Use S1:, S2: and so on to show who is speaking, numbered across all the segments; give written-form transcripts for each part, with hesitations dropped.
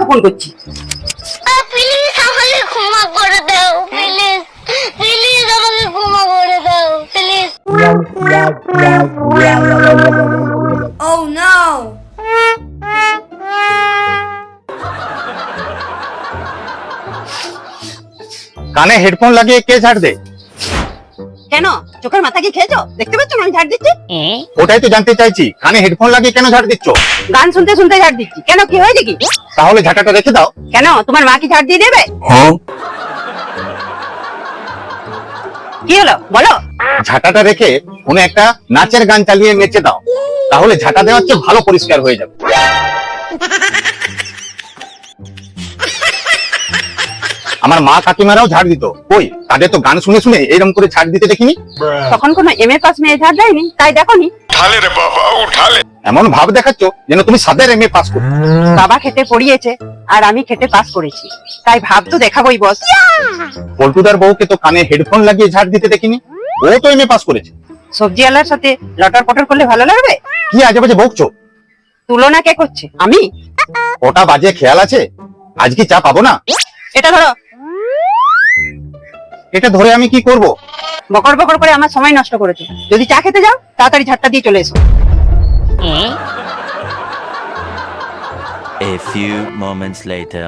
S1: Phone করছি।
S2: Please আমাকে ক্ষমা করে দাও, প্লিজ প্লিজ আমাকে ক্ষমা করে দাও, প্লিজ।
S3: Oh no!
S4: কানে হেডফোন লাগিয়ে কে ঝাড় দে?
S1: কেন চোখের মাথা কি খেয়েছো? দেখতে পাচ্ছ না আমি ঝাড় দিচ্ছি?
S4: ওটাই তো জানতে চাইছি, কানে হেডফোন লাগিয়ে কেন ঝাড় দিচ্ছ?
S1: গান শুনতে শুনতে ঝাড় দিচ্ছি। কেন, কি হয়েছে কি?
S4: তাহলে ঝাঁটাটা রেখে দাও।
S1: কেন তোমার মা কি ঝাড় দিয়ে দেবে? কি হলো বলো?
S4: ঝাঁটাটা রেখে কোনো একটা নাচের গান চালিয়ে নেচে দাও, তাহলে ঝাঁটা দেওয়ার চেয়ে ভালো পরিষ্কার হয়ে যাবে। আমার মা কাকিমারাও ঝাড় দিত, কই তাদের তো গান শুনে শুনে এরকম করে ঝাড় দিতে দেখিনি।
S1: তখন কোনো MA পাস মেয়ে ঝাড় দেয়নি, তাই দেখোনি।
S4: এমন ভাব দেখাচ্ছ যেন তুমি সাদের MA পাস করো।
S1: বাবা খেটে পড়িয়েছে আর আমি খেটে পাস করেছি, তাই ভাব তো দেখাবোই বস।
S4: পল্টুদার বউকে তো কানে হেডফোন লাগিয়ে ঝাড় দিতে দেখিনি, ও তো MA পাস করেছে।
S1: সবজিওয়ালার সাথে লটর পটর করলে ভালো লাগবে?
S4: কি আজে বাজে বকছো?
S1: তুলনা কে করছে? আমি?
S4: ওটা বাজে খেয়াল আছে, আজ কি চা পাবো না?
S1: এটা ধরো।
S4: এটা ধরে আমি কি করব?
S1: বকর বকর করে আমার সময় নষ্ট করেছো। যদি চা খেতে যাও তাড়াতাড়ি ঝাড়টা দিয়ে চলে এসো।
S5: A few moments later.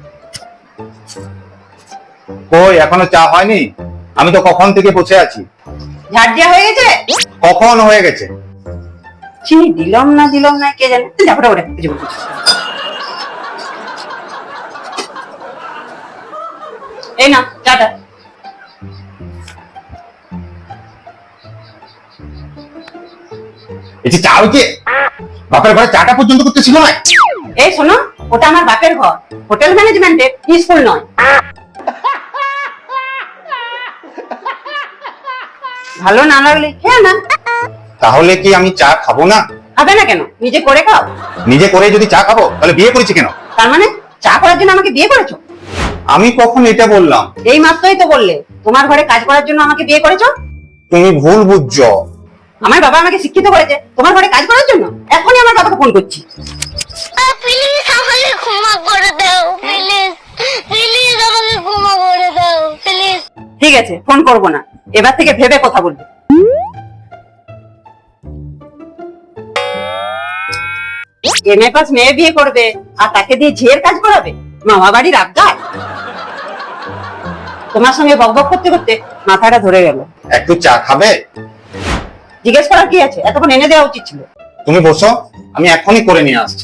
S4: কই এখনো চা হয়নি? আমি তো কখন থেকে বসে আছি।
S1: ঝাড় দেওয়া হয়ে গেছে?
S4: কখন হয়ে গেছে?
S1: চিনি দিলাম না কে জানে। যাবো ওটা কিছু বলছি। এই না চাটা।
S4: এই যে চা হয়েছে, বাপের ঘরে চাটা পর্যন্ত করতে ছিল না।
S1: এই শোনো, ওটা আমার বাপের ঘর, হোটেল ম্যানেজমেন্টের স্কুল নয়। ভালো না লাগলে খেয়ে না।
S4: তাহলে কি আমি চা খাবো না?
S1: খাবে না কেন? নিজে করে খাও।
S4: নিজে করে যদি চা খাবো তাহলে বিয়ে করেছি কেন?
S1: তার মানে চা করার জন্য আমাকে বিয়ে করেছো?
S4: আমি কখন এটা বললাম?
S1: এই মাত্রই তো বললে তোমার ঘরে কাজ করার জন্য আমাকে বিয়ে করেছো।
S4: তুমি ভুল বুঝছো।
S1: আমার বাবা আমাকে শিক্ষিত করেছে তোমার ঘরে কাজ করার জন্য। এখনই আমার বাবাকে ফোন করছি।
S2: প্লিজ আমাকে ক্ষমা করে দাও, প্লিজ প্লিজ আমাকে ক্ষমা করে দাও, প্লিজ।
S1: ঠিক আছে, ফোন করবো না, এবার থেকে ভেবে কথা বলবে। MA পাস মেয়ে বিয়ে করবে আর তাকে দিয়ে ঝিয়ের কাজ করাবে? মামা বাড়ির আবদার। তোমার সঙ্গে বকবক করতে করতে মাথাটা ধরে গেল।
S4: একটু চা খাবে?
S1: জিজ্ঞেস করার কি আছে, এতক্ষণ এনে দেওয়া উচিত ছিল।
S4: তুমি বসো, আমি এখনই করে নিয়ে আসছি।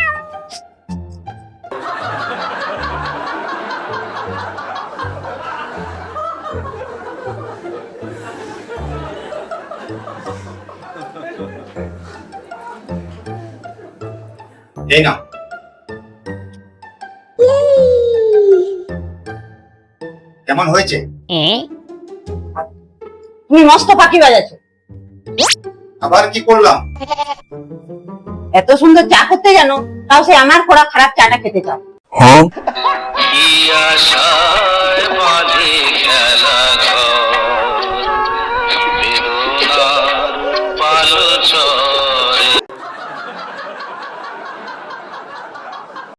S4: এই না, কেমন হয়েছে?
S1: তুমি মস্ত ফাঁকি বাজাচ্ছো।
S4: আবার কি করলাম?
S1: এত সুন্দর চা করতে জানো, তাও সে আমার করা খারাপ চাটা খেতে চাও।